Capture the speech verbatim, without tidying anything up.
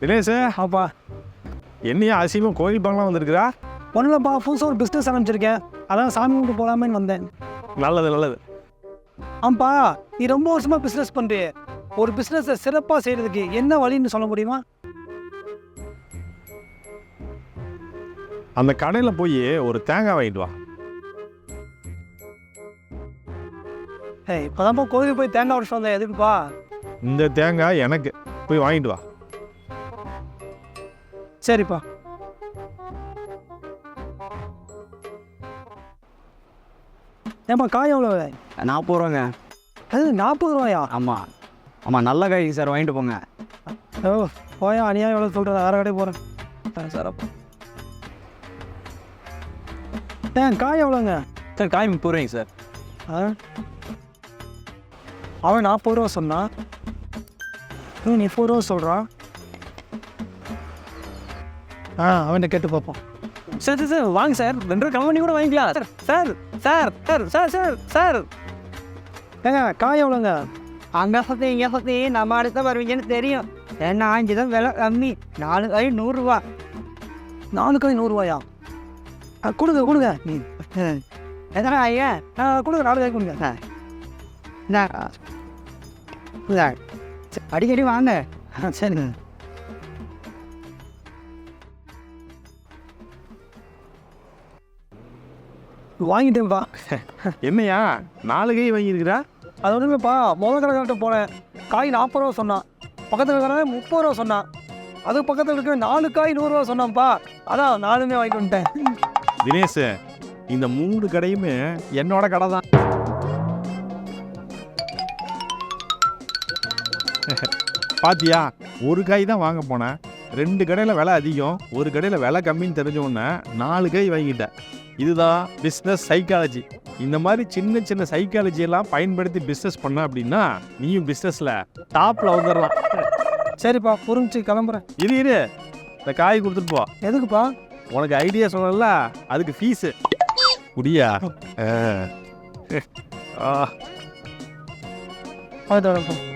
தினேஷ் ஆப்பா என்னையா அசியமாக கோயில் பங்களாம் வந்திருக்குறா? ஒன்றும் இல்லைப்பா, புதுசாக ஒரு பிஸ்னஸ் ஆரம்பிச்சிருக்கேன். அதான் சாமி கும்பிட்டு போகலாமேன்னு வந்தேன். நல்லது நல்லது. ஆம்பா, நீ ரொம்ப வருஷமாக பிஸ்னஸ் பண்ணுறிய, ஒரு பிஸ்னஸை சிறப்பாக செய்கிறதுக்கு என்ன வழின்னு சொல்ல முடியுமா? அந்த கடையில் போய் ஒரு தேங்காய் வாங்கிட்டு வா. ஏய், இப்போதான்ப்பா கோயிலுக்கு போய் தேங்காய் உடச்சு வந்தேன். எதுக்குப்பா? இந்த தேங்காய் எனக்கு, போய் வாங்கிட்டு வா. சரிப்பா. ஏப்பா காய் எவ்வளோ? நாற்பது ரூபாங்க. அது நாற்பது ரூபாயா? ஆமாம் ஆமாம், நல்ல காய் சார், வாங்கிட்டு போங்க. ஓ போயா, அநியாயம் எவ்வளோ சொல்கிறேன், வேறு கடையே போகிறேன். சார் அப்போ ஏன் காய் எவ்வளோங்க? சார் காய் முப்பது ரூபாய்ங்க சார். ஆ அவன் நாற்பது ரூபா சொன்னான், நீ முப்பது ரூபா சொல்கிறான். ஆ அவன்கிட்ட கேட்டு பார்ப்போம். சார் சார் சார் வாங்க சார், ரெண்டு ரூபா கம்பெனி கூட வாங்கிக்கலாம் sir. Sir sir sir sir sir sir ஏங்க காய் எவ்வளோங்க? அங்கே பற்றி இங்கே பற்றி நம்ம அடுத்த வருவீங்கன்னு தெரியும். ஏன்னா இங்கே தான் விலை கம்மி, நாலு காய் நூறுரூவா. நாலு காய் நூறுரூவாயா? ஆ கொடுங்க கொடுங்க. நீ எத்தனை ஐயா? ஆ கொடுங்க, நாலு காய் கொடுங்க. இந்தா இந்தா. அடிக்கடி வாங்க. ஆ சரிங்க. வாங்கிட்டேன்ப்பா. என்னையா நாலு கை வாங்கியிருக்கிறா? அது ஒன்றும் இல்லைப்பா, முதல் கடைக்கார்ட்ட போனேன், காய் நாற்பது ரூபா சொன்னான். பக்கத்தில் இருக்கிற முப்பது ரூபா சொன்னான். அதுக்கு பக்கத்தில் இருக்கிற நாலு காய் நூறுரூவா சொன்னான்ப்பா. அதான் நாலுமே வாங்கிட்டு வந்துட்டேன். தினேஷ், இந்த மூணு கடையுமே என்னோட கடை தான். பாத்தியா, ஒரு காய் தான் வாங்க போனேன், ரெண்டு கடையில் விலை அதிகம், ஒரு கடையில் விலை கம்மின்னு தெரிஞ்ச உடனே நாலு காய் வாங்கிட்டேன். இதுதான் பிஸ்னஸ் சைக்காலஜி. இந்த மாதிரி சின்ன சின்ன சைக்காலஜி எல்லாம் பயன்படுத்தி பிஸ்னஸ் பண்ண அப்படின்னா நீயும் பிஸ்னஸில் டாப்பில் வந்துடலாம். சரிப்பா, புரிஞ்சு கிளம்புறேன். இரு இரு, இந்த காய் கொடுத்துட்டு போ. எதுக்குப்பா? உனக்கு ஐடியா சொன்னல, அதுக்கு ஃபீஸு குடியா. ஆ அது